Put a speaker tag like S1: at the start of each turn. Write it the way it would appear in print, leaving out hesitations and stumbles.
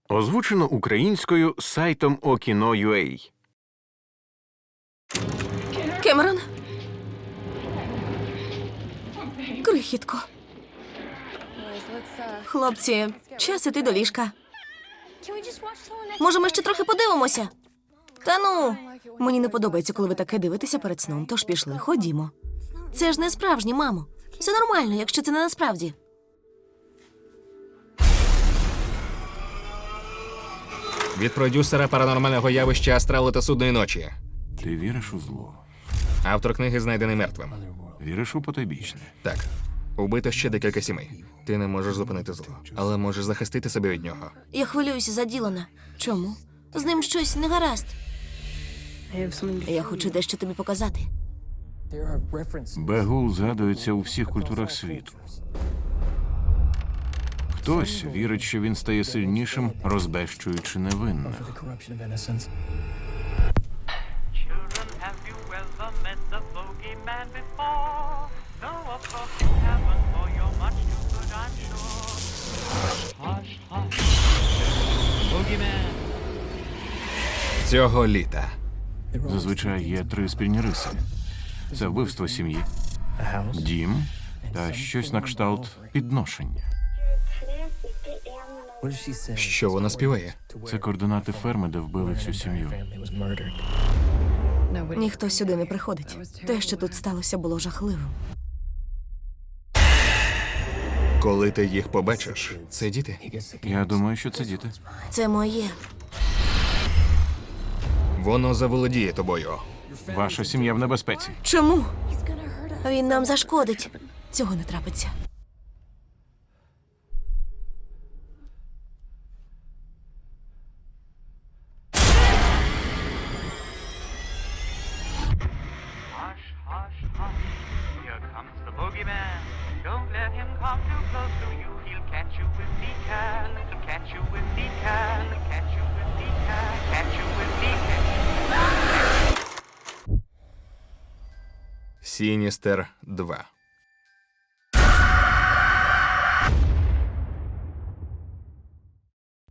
S1: Озвучено українською сайтом Okino.ua.
S2: Кемерон? Крихітко. Хлопці, час іти до ліжка. Може, ми ще трохи подивимося? Та ну, мені не подобається, коли ви таке дивитеся перед сном, тож пішли, ходімо. Це ж не справжнє, мамо. Все нормально, якщо це не насправді.
S3: Від продюсера паранормального явища «Астрали та судної ночі».
S1: Ти віриш у зло?
S3: Автор книги знайдений мертвим.
S1: Віриш у потойбічне?
S3: Так, убито ще декілька сімей. Ти не можеш зупинити зло, але можеш захистити себе від нього.
S2: Я хвилююся за Ділана. Чому? З ним щось не гаразд. Я хочу дещо тобі показати.
S1: Бегул згадується у всіх культурах світу. Хтось вірить, що він стає сильнішим, розбещуючи невинних.
S4: Children, have you ever met the bogeyman before? No, of course you haven't, for you're much too good, I'm sure. Hush, hush, bogeyman.
S3: Цього літа.
S1: Зазвичай є три спільні риси. Це вбивство сім'ї, дім та щось на кшталт підношення.
S3: Що вона співає?
S1: Це координати ферми, де вбили всю сім'ю.
S2: Ніхто сюди не приходить. Те, що тут сталося, було жахливим.
S3: Коли ти їх побачиш, це діти.
S1: Я думаю, що це діти.
S2: Це моє.
S3: Воно заволодіє тобою.
S1: Ваша сім'я в небезпеці.
S2: Чому? Він нам зашкодить. Цього не трапиться.
S4: Hush, hush, hush. Here comes the bogeyman. Don't let him come too close to you. He'll catch you if he can. He'll catch you if he can. Catch you if he can. Catch you if he can.
S3: Сіністер 2.